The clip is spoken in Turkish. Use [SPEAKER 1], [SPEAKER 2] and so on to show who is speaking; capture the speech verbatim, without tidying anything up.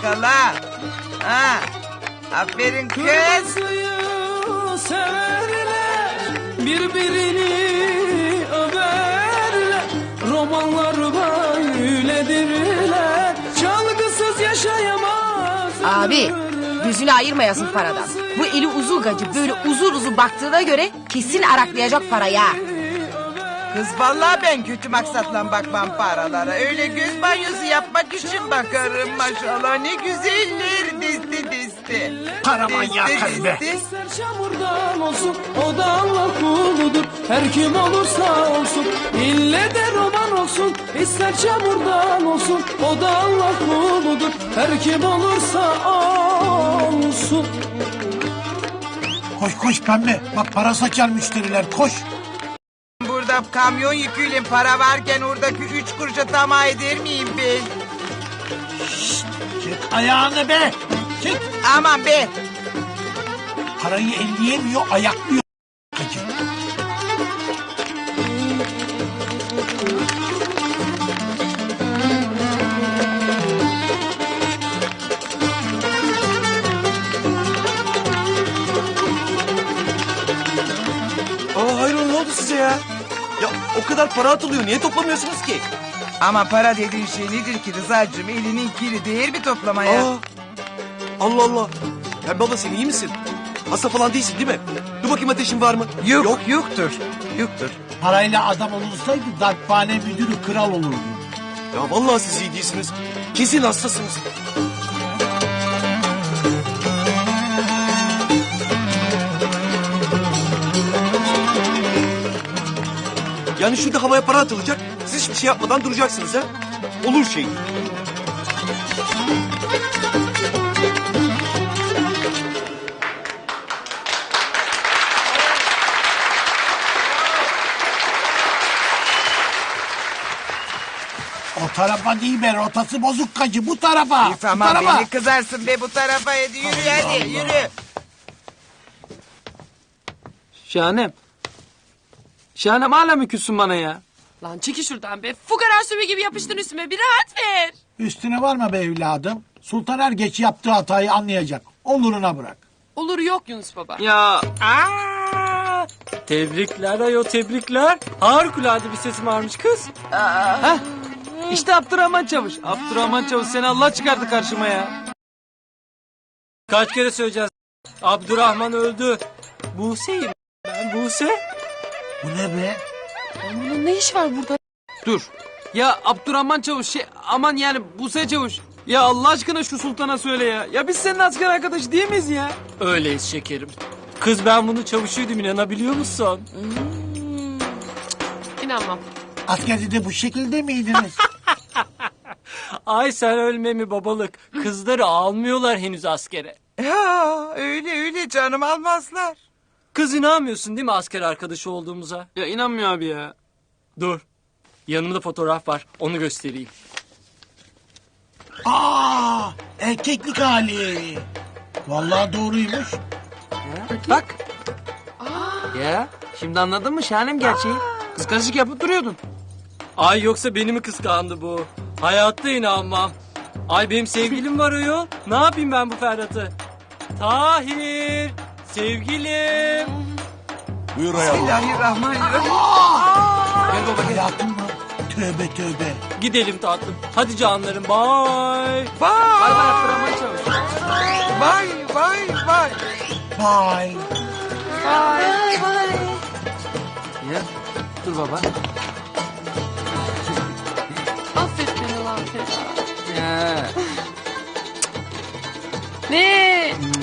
[SPEAKER 1] yakala. Ha. Aferin kız.
[SPEAKER 2] Kırmızıyı severler, birbirini överler. Romanlar böyledirler, çalgısız yaşayamaz.
[SPEAKER 3] Abi gözünü ayırmayasın paradan. Bu eli uzulgacı böyle uzun uzun baktığına göre kesin araklayacak parayı ha.
[SPEAKER 1] Kız vallahi ben kötü maksatla bakmam paralara. Öyle göz banyosu yapmak için bakarım maşallah. Ne güzeller disti disti.
[SPEAKER 4] Para manyağı kız be.
[SPEAKER 2] İster çamurdan olsun, o da Allah kuludur. Her kim olursa olsun, ille de roman olsun. İster çamurdan olsun, o da Allah kuludur. Her kim olursa olsun.
[SPEAKER 4] Koş koş pembe. Bak para saçar müşteriler koş.
[SPEAKER 1] Burada kamyon yüküyle para varken oradaki üç kuruşa tamah eder miyim ben?
[SPEAKER 4] Çek ayağını be. Çek.
[SPEAKER 1] Aman be.
[SPEAKER 4] Parayı elleyemiyor ayaklıyor. Gacı.
[SPEAKER 5] Aa hayrola ne oldu size ya? Ya o kadar para atılıyor niye toplamıyorsunuz ki?
[SPEAKER 1] Ama para dediğin şey nedir ki Rıza'cığım? Elinin kiri değer mi toplamaya?
[SPEAKER 5] Aa, Allah Allah. Ya baba sen iyi misin? Hasta falan değilsin değil mi? Dur bakayım ateşin var mı?
[SPEAKER 1] Yok,
[SPEAKER 5] Yok.
[SPEAKER 1] yoktur. Yoktur.
[SPEAKER 4] Parayla adam olursaydı darphane müdürü kral olurdu.
[SPEAKER 5] Ya vallahi siz iyi değilsiniz. Kesin hastasınız. Yani şurada havaya para atılacak. Siz hiçbir şey yapmadan duracaksınız ha? Olur şey.
[SPEAKER 4] O tarafa değil be rotası bozuk gacı bu tarafa.
[SPEAKER 1] İyi,
[SPEAKER 4] Bu
[SPEAKER 1] tamam
[SPEAKER 4] tarafa.
[SPEAKER 1] beni kızarsın be bu tarafa. Hadi yürü hadi yürü.
[SPEAKER 2] Şahanem. Şahanem hala mı küssün bana ya?
[SPEAKER 6] Lan çekil şuradan be. Fukara sümü gibi yapıştın üstüme. Bir rahat ver.
[SPEAKER 4] Üstüne varma be evladım. Sultan er geç yaptığı hatayı anlayacak. Oluruna bırak.
[SPEAKER 6] Olur yok Yunus baba.
[SPEAKER 2] Ya. Aa! Tebrikler ayo tebrikler. Harikulade bir sesim varmış kız. Heh. İşte Abdurrahman Çavuş. Abdurrahman Çavuş seni Allah çıkardı karşıma ya. Kaç kere söyleyeceğiz. Abdurrahman öldü. Buse'yim ben Buse.
[SPEAKER 4] Bu ne be?
[SPEAKER 6] Bunun ne iş var burada?
[SPEAKER 2] Dur. Ya Abdurrahman Çavuş şey aman yani Buse Çavuş. Ya Allah aşkına şu sultana söyle ya. Ya biz senin asker arkadaşı değil miyiz ya? Öyleyiz şekerim. Kız ben bunu çavuşuydum inanabiliyor musun?
[SPEAKER 6] Hmm. İnanmam.
[SPEAKER 4] Askerde de bu şekilde miydiniz?
[SPEAKER 2] Ay sen ölme mi babalık. Kızları almıyorlar henüz askere.
[SPEAKER 1] Ya öyle öyle canım almazlar.
[SPEAKER 2] Kız inanmıyorsun değil mi asker arkadaşı olduğumuza? Ya inanmıyor abi ya. Dur. Yanımda fotoğraf var. Onu göstereyim.
[SPEAKER 4] Aa, erkeklik hali. Vallahi doğruymuş.
[SPEAKER 2] Bak. Ya şimdi anladın mı Şahanem gerçeği? Kıskançlık yapıp duruyordun. Ay yoksa beni mi kıskandı bu? Hayatta inanmam. Ay benim sevgilim var ayol. Ne yapayım ben bu Ferhat'ı? Tahir. Sevgilim.
[SPEAKER 5] Buyur hayatım.
[SPEAKER 1] Bismillahirrahmanirrahim.
[SPEAKER 2] Gel baba gel.
[SPEAKER 4] Hayatım mı? Tövbe tövbe.
[SPEAKER 2] Gidelim tatlım. Hadi canlarım bye.
[SPEAKER 1] Vay
[SPEAKER 2] Bay bay Abdurrahman Çavuş.
[SPEAKER 1] vay vay vay.
[SPEAKER 4] Bye.
[SPEAKER 2] Ya dur baba.
[SPEAKER 6] Affet beni lan Ferhat.
[SPEAKER 2] Ya.
[SPEAKER 6] Ne?